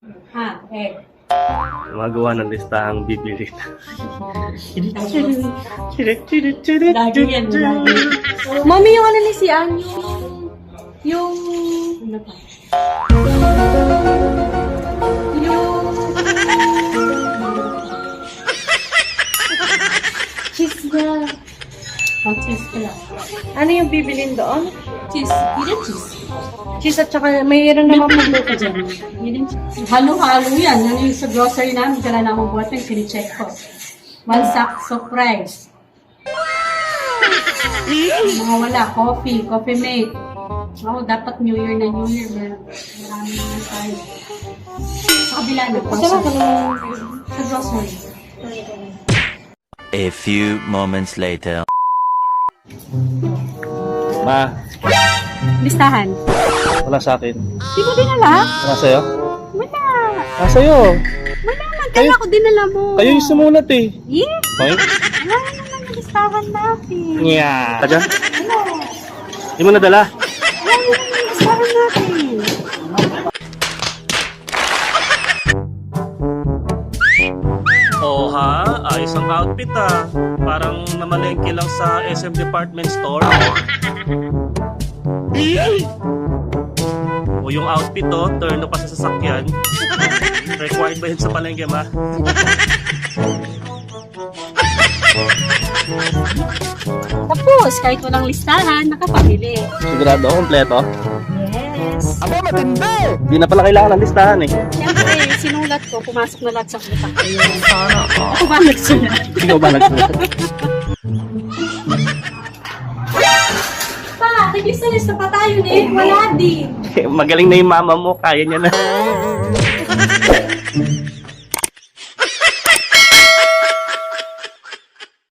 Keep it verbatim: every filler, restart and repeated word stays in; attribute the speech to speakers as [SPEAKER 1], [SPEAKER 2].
[SPEAKER 1] Ha, eh.
[SPEAKER 2] Gumagawa ng listahang bibili.
[SPEAKER 1] Lagi yan, lagi. Mami, yung ano ni si Ann, yung... Yung... Ano pa? Yung... Cheese na. Oh, cheese pala.
[SPEAKER 3] Ano yung bibilin doon?
[SPEAKER 1] Cheese. Hindi cheese.
[SPEAKER 3] Cheese at saka mayroon
[SPEAKER 1] May
[SPEAKER 3] naman
[SPEAKER 1] paglo ka dyan. Hindi cheese. Halo-halo yan. Yan yung sa grocery namin. Kala namin buhat yung sinicheck ko. One sack of rice. Mga wala. Coffee. Coffee mate. Oo, dapat New Year na New Year. Mer- Marami na tayo. Sa kabila na.
[SPEAKER 3] Sarap
[SPEAKER 1] Grocery.
[SPEAKER 3] naman.
[SPEAKER 1] Sa grocery.
[SPEAKER 4] A few moments later.
[SPEAKER 2] Ma,
[SPEAKER 1] Listahan.
[SPEAKER 2] wala sa akin.
[SPEAKER 1] Di mo dinala?
[SPEAKER 2] Wala sa'yo?
[SPEAKER 1] Wala.
[SPEAKER 2] Ah, sa'yo.
[SPEAKER 1] Wala man. Kaya ako dinala mo.
[SPEAKER 2] Kayo yung sumulat eh.
[SPEAKER 1] Yeah.
[SPEAKER 2] Okay?
[SPEAKER 1] Wala naman yung listahan natin.
[SPEAKER 2] Yeah. Ka dyan?
[SPEAKER 1] Ano?
[SPEAKER 2] Di mo nadala?
[SPEAKER 1] Wala naman yung listahan natin.
[SPEAKER 2] Oo ha, ayos ang outfit ah. Parang namalengke lang sa S M Department Store. O yung outfit oh, turno pa sa sasakyan. Required ba yun sa palengke, ma?
[SPEAKER 1] Tapos, kahit walang listahan, nakapamili.
[SPEAKER 2] Sigurado, kompleto.
[SPEAKER 1] Yes.
[SPEAKER 4] Aba, matindi!
[SPEAKER 2] Di na pala kailangan ng listahan eh.
[SPEAKER 1] Siyempre, sinulat ko, pumasok na lahat sa utak ko. Sana ako. Ako ba nagsulat?
[SPEAKER 2] Ikaw ba nagsulat?
[SPEAKER 1] Pa, naglista-lista pa tayo eh. Wala din.
[SPEAKER 2] Magaling na yung mama mo, kaya niya na.